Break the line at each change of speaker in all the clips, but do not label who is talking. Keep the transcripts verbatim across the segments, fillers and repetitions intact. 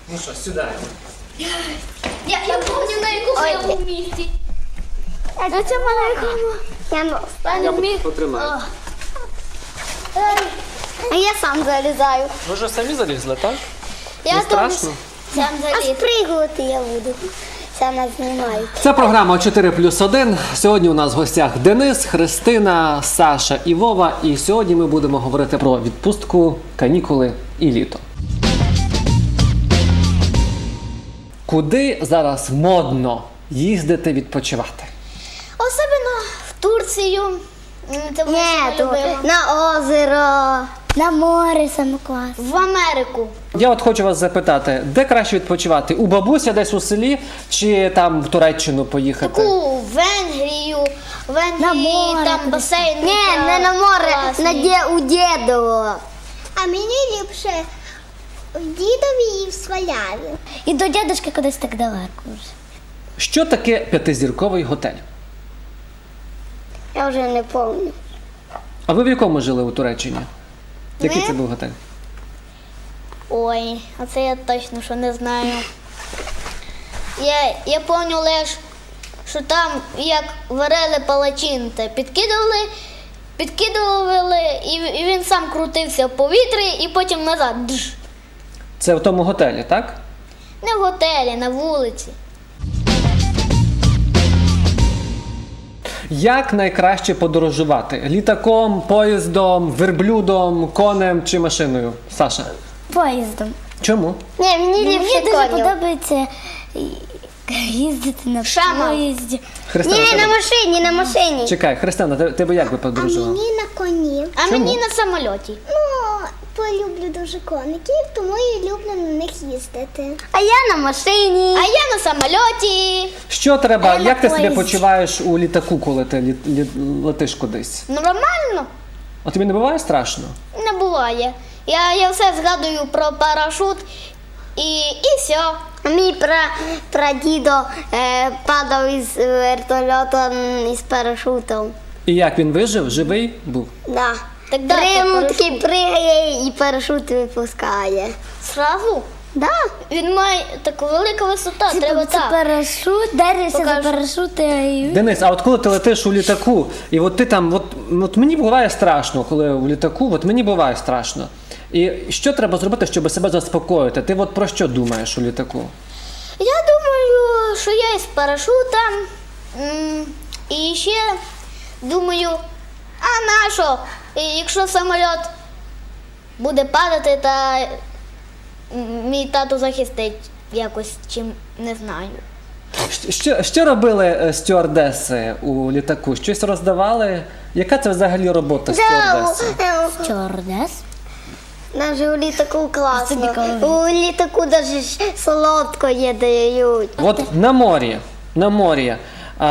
Ну що, сідаємо.
Я, я помню, на якому я був місці.
А це маленькому. Я ну,
Я міг.
Потримаю.
а я сам залізаю.
Ви вже самі залізли, так?
Я
Не
теж
страшно?
сам
А
заліз.
спригувати я буду. Це нас знімають.
Це програма чотири плюс один. Сьогодні у нас в гостях Денис, Христина, Саша і Вова. І сьогодні ми будемо говорити про відпустку, канікули і літо. Куди зараз модно їздити відпочивати?
Особливо в Турцію. М, Це моя
Ні,
сама
то
любима.
на озеро, на море саме клас.
В Америку.
Я от хочу вас запитати, де краще відпочивати? У бабуся десь у селі чи там в Туреччину поїхати?
Таку в Венгрію. В Венгрії
На море
там
кудись.
басейн.
Ні, не на море,
класний.
на де у дідово.
А мені ліпше в дідові і в Сваляві.
І до дядушки кудись так далеко вже.
Що таке п'ятизірковий готель?
Я вже не пам'ятаю.
А ви в якому жили у Туреччині? Який
Ми?
це був готель?
Ой, а це я точно що не знаю. Я, я пам'ятаю лише, що там як варили палачинте, підкидували, підкидували, і, і він сам крутився в повітрі і потім назад. Дж.
Це в тому готелі, так?
Не в готелі, на вулиці.
Як найкраще подорожувати? Літаком, поїздом, верблюдом, конем чи машиною? Саша?
Поїздом.
Чому?
Ні, мені
Мені
ліпше
дуже
конем.
подобається їздити на
Шама.
поїзді.
Христина,
Ні,
тебе-
на машині, на машині.
Чекай, Христина, ти- тебе як би
А
подорожувала?
мені на коні.
А
Чому?
мені на самольоті.
Ну, полюблю дуже коників, тому і люблю на них їздити.
А я на машині.
А я на самольоті.
Що треба,
А я на
як ти себе
поїзді.
почуваєш у літаку, коли ти лі- лі- летиш кудись?
Нормально?
А тобі не буває страшно?
Не буває. Я, я все згадую про парашут і, і все.
А мій пра, прадідо е, падав із вертольота м, із парашутом.
І як він вижив? Живий був?
Да.
Так да,
При-
то
ну,
парашут.
такий пригає і парашут випускає.
Сразу?
Да.
Він має таку велика висота, треба
це
так.
парашут, держишся
Покажу.
за парашут і...
Денис, а от коли ти летиш у літаку, і от ти там, от, от мені буває страшно, коли в літаку, от мені буває страшно. І що треба зробити, щоб себе заспокоїти? Ти от про що думаєш у літаку?
Я думаю, що я із парашутом. М, І ще думаю, а на що? І Якщо самоліт буде падати, та м, мій тато захистить якось, чим не знаю.
Що, що робили е, стюардеси у літаку? Щось роздавали? Яка це взагалі робота стюардеси?
Чорнес.
Навіть у літаку класно.
Собі коли-
У літаку навіть солодко є дають.
От на морі, на морі, а,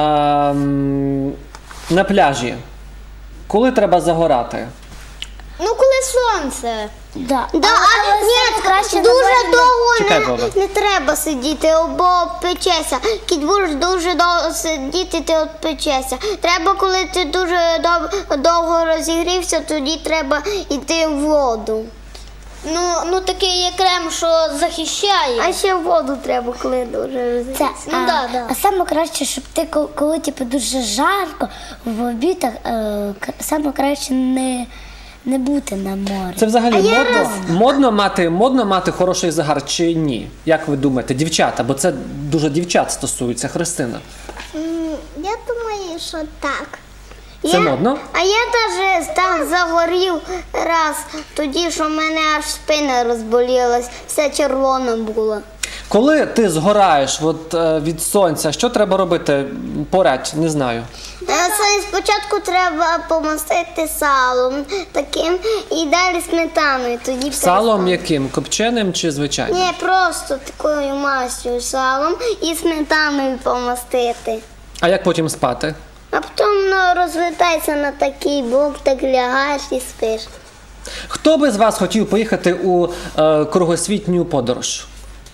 м, на пляжі, коли треба загорати?
Ну, коли сонце.
Да.
Да, а,
але
ні,
саме краще на
дуже
морі.
довго
Чекай,
не,
Вова.
не треба сидіти, бо печеся. Кіт будеш дуже довго сидіти, ти от печеся. Треба, коли ти дуже дов- довго розігрівся, тоді треба йти в воду.
Ну, ну такий є крем, що захищає.
А ще в воду треба, коли дуже
Це,
розігрівся.
Ну,
а,
да, да.
а саме краще, щоб ти, коли, коли типу, дуже жарко, в обідах, е, к- саме краще не, не бути на морі.
Це взагалі
я
модно,
раз-
модно, мати, модно мати хороший загар чи ні? Як ви думаєте, дівчата? Бо це дуже дівчат стосується, Христина.
М, Я думаю, що так.
Це
Я-
модно?
А я навіть так загорів раз, тоді, що в мене аж спина розболілась, все червоно було.
Коли ти згораєш от, е, від сонця, що треба робити? Порадь, не знаю.
Е, це Спочатку треба помастити салом таким і далі сметаною. Тоді
Салом
перестане.
яким? Копченим чи звичайним?
Ні, просто такою мастю салом і сметаною помастити.
А як потім спати?
А потім ну, розвертайся на такий бок, так лягаєш і спиш.
Хто би з вас хотів поїхати у е, кругосвітню подорож?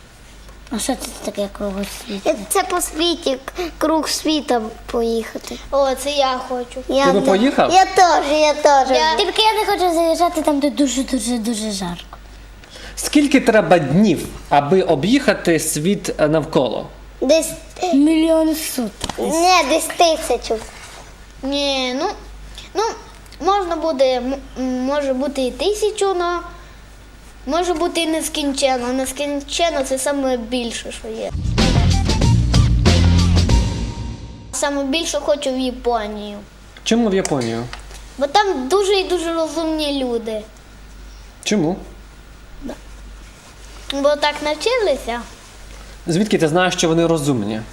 А що це таке кругосвіт?
Е, Це по світі, к- круг світа поїхати.
О, це я хочу.
Я
Ти би
да-
поїхав?
Я теж, я теж.
Я-
Тільки я не хочу заїжджати там, де дуже-дуже-дуже жарко.
Скільки треба днів, аби об'їхати світ е, навколо?
Десь
Мільйон суток.
не десь тисячу.
Ні, ну, ну можна буде, м- м, може бути і тисячу, але може бути і нескінченно. Нескінченно це саме більше, що є. Саме більше хочу в Японію.
Чому в Японію?
Бо там дуже і дуже розумні люди.
Чому?
Бо так навчилися.
Звідки ти знаєш, що вони розумні?
М,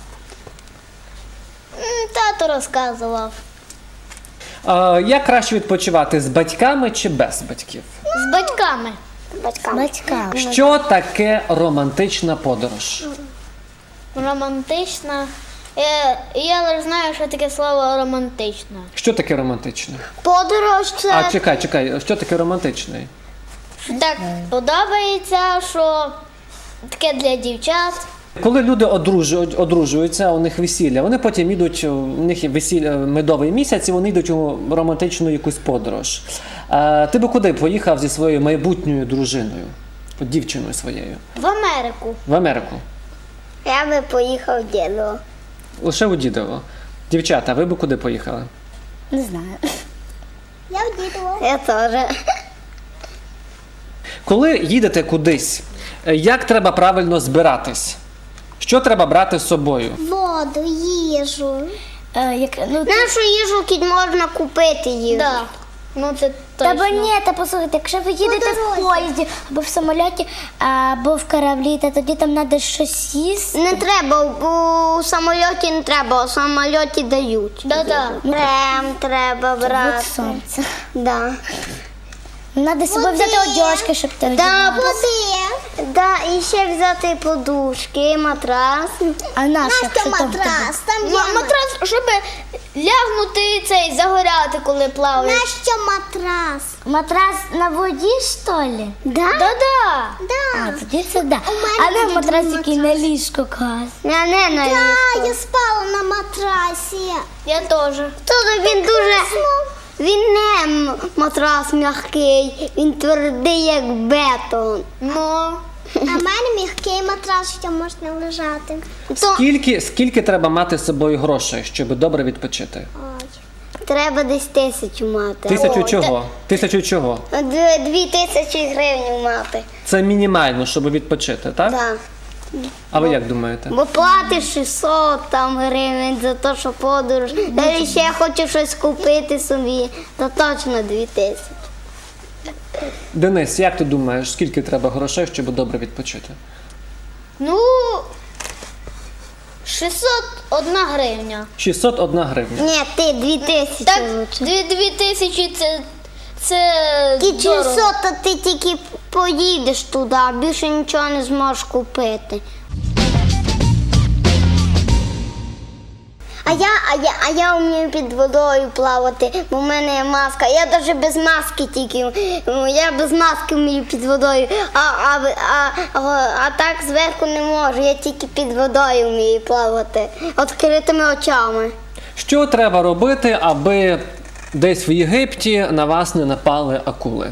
Тато розказував.
Е, як краще відпочивати, з батьками чи без батьків?
З батьками.
Батькам.
Батькам.
Що таке романтична подорож?
Романтична. Я, я лише знаю, що таке слово романтична.
Що таке романтичне?
Подорож це
А чекай, чекай, що таке романтичний?
Що так подобається, що таке для дівчат.
Коли люди одружують, одружуються, у них весілля, вони потім йдуть, у них є весілля медовий місяць, і вони йдуть у романтичну якусь подорож. Е, ти би куди поїхав зі своєю майбутньою дружиною, от дівчиною своєю?
В Америку.
В Америку.
я би поїхав дідо.
Лише у Дідово. Дівчата, ви би куди поїхали?
Не знаю.
Я в дідо. Я теж.
Коли їдете кудись, е, як треба правильно збиратись? Що треба брати з собою?
Воду, їжу.
Е, як, ну,
Нашу їжу кіт можна купити їжу.
Да. Ну це
Та
точно.
бо ні, та послухайте, якщо ви їдете в поїзді або в самоліті, або в кораблі, то тоді там треба щось їсти.
Не треба, у самольоті не треба, у самольоті дають.
Да-да.
Крем треба
От
брати.
сонце.
Да.
Треба з собою взяти одяжки, щоб ти
Да, води. Да, і ще взяти подушки, матрас.
А наш, якщо там в тебе?
Там
М- матрас, щоб лягнути цей, загоряти, коли плаваєш.
Нащо матрас?
Матрас на воді, що ли?
Да?
Да-да.
А, тоді це да. А не матрас, який на ліжко клас.
Я не на ліжко.
Я спала на матрасі.
Я теж.
Тут він дуже... Він не м- матрас м'який, він твердий, як бетон.
Ну,
А в мене м'який матрас, що можна лежати.
То
Скільки, скільки треба мати з собою грошей, щоб добре відпочити?
треба десь тисячу мати.
Тисячу
О,
чого? Тисячу чого?
Д- Дві тисячі гривень мати.
Це мінімально, щоб відпочити, так?
Да.
А ви як думаєте?
Бо платиш шістсот там гривень за те, що подорож. Та ще хочу щось купити собі, то точно дві тисячі.
Денис, як ти думаєш, скільки треба грошей, щоб добре відпочити?
ну, шістсот одна гривня.
шістсот одна гривня.
Ні, ти дві тисячі
Так,
лучше.
дві, дві тисячі це, це
Ті
дорого.
шістсот, то ти тільки поїдеш туди, а більше нічого не зможеш купити. А я, а я, а я вмію під водою плавати, бо в мене є маска. Я навіть без маски тільки. м, Я без маски вмію під водою. А, а, а, а, а так зверху не можу. Я тільки під водою вмію плавати. Відкритими очами.
Що треба робити, аби десь в Єгипті на вас не напали акули?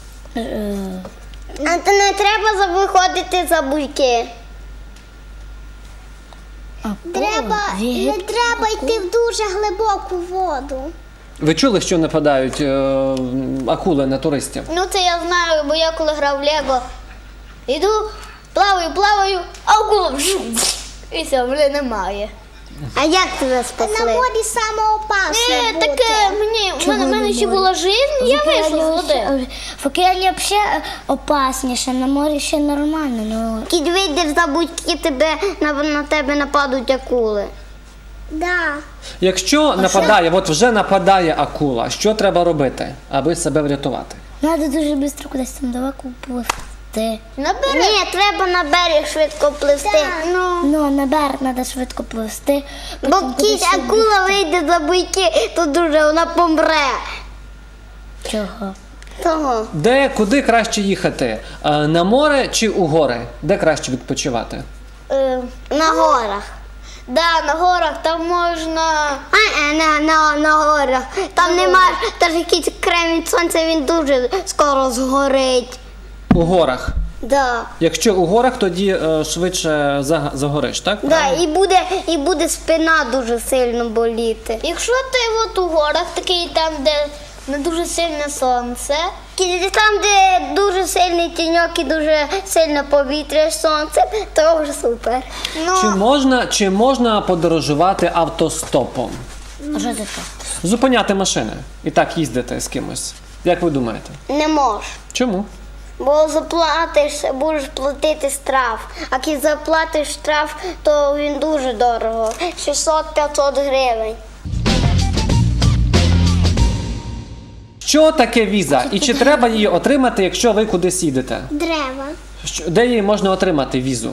А то не треба за- виходити за буйки.
Треба,
в
не
Єгипті
треба йти в дуже глибоку воду.
Ви чули, що нападають е, акули на туристів?
Ну це я знаю, бо я коли грав в Лего, іду, плаваю, плаваю, а акула вжу, і все, вже немає.
А як тебе
На
спасли?
морі саме опасно
Не,
бути.
таке, мені, в мене, в мене ще була жизнь, я вийшла з води.
В океані взагалі опасніше, на морі ще нормально. Ну,
Кіт вийдеш за будь-які, тебе на, на тебе нападуть акули.
Да.
Якщо нападає, от вже нападає акула, що треба робити, аби себе врятувати?
треба дуже швидко кудись там далеко пливти.
Набери.
Ні, треба на берег швидко пливти.
Ну,
Ну, на берег треба швидко пливти.
Бо
потім
кіт
кудись
акула вийде за буйки, то дуже вона помре.
Чого?
Того.
Де, куди краще їхати? Е, На море чи у гори? Де краще відпочивати?
е,
На горах.
да, на горах там можна.
А, е, на, на, на горах. Там немає, теж якийсь крем від сонця, він дуже скоро згорить.
У горах.
Да.
Якщо у горах, тоді е, швидше заг- загориш, так?
Да, і буде, і буде спина дуже сильно боліти.
Якщо ти от у горах такий там, де не дуже сильне сонце,
І там, де дуже сильний тіньок і дуже сильне повітря, сонце, то вже супер.
ну
Чи можна, чи можна подорожувати автостопом?
А що це таке?
Зупиняти машини і так їздити з кимось. Як ви думаєте?
Не можеш.
Чому?
Бо заплатиш, будеш платити штраф. А як заплатиш штраф, то він дуже дорого. шістсот-п'ятсот гривень.
Що таке віза? І чи треба її отримати, якщо ви кудись їдете?
Дерева.
Що- Де її можна отримати візу?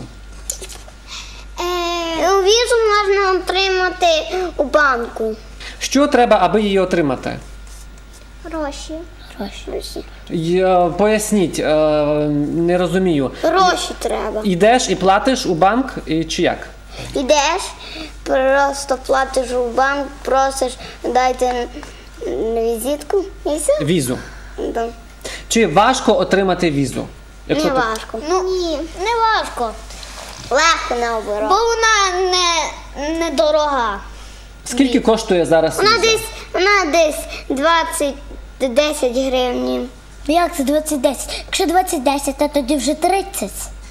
Е,
Візу можна отримати у банку.
Що треба, аби її отримати?
гроші.
Гроші.
Я- Поясніть, е, не розумію.
Гроші треба.
Йдеш і платиш у банк, і чи як?
Ідеш, просто платиш у банк, просиш, дайте візитку і все.
Візу.
Да.
Чи важко отримати візу?
Не
ти-
важко.
ну не важко,
Легко наоборот.
бо вона не, не дорога.
Скільки коштує зараз
Вона
віза?
десь, вона десь двадцять десять гривень.
Ну як це двадцять десять? Якщо двадцять десять, то тоді вже тридцять.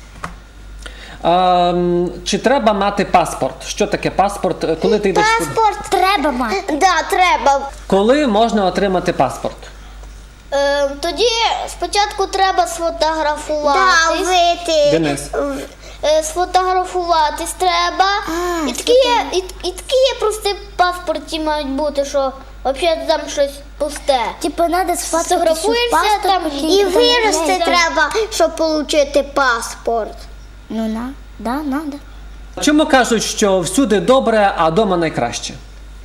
А, м, чи треба мати паспорт? Що таке паспорт? Е, Коли ти йдеш? куди?
Паспорт.
Треба мати.
Да, треба.
Коли можна отримати паспорт?
Е, тоді спочатку треба
Да,
сфотографуватись.
вийти.
Денис.
Е, сфотографуватись треба. і, такі є, і, і такі є прості паспорті мають бути, що взагалі там щось пусте.
Типу, треба сфоткати
Сфотографуєшся
паспорт,
там
потім
І
там
вирости
є.
треба, щоб отримати паспорт.
Ну, на, да, надо.
Чому кажуть, що всюди добре, а дома найкраще?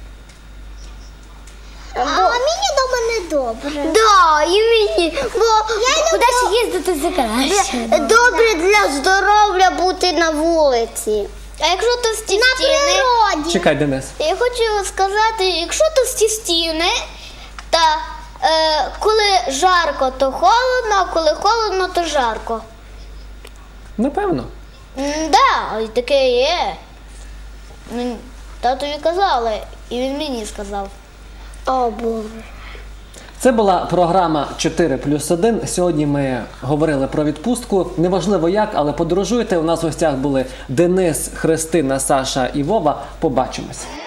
А мені вдома не добре.
Да, і мені. Бо
Куди ж їздити за краще?
добре для здоров'я бути на вулиці.
А якщо товсті
На
стіни,
природі.
Чекай, Денис.
я хочу сказати, якщо товсті стіни, та е, коли жарко, то холодно, а коли холодно, то жарко.
Напевно.
М, Да, і таке є. М, Татові казали, і він мені сказав.
О, Боже.
Це була програма чотири плюс один. Сьогодні ми говорили про відпустку. Неважливо як, але подорожуйте. У нас в гостях були Денис, Христина, Саша і Вова. Побачимось.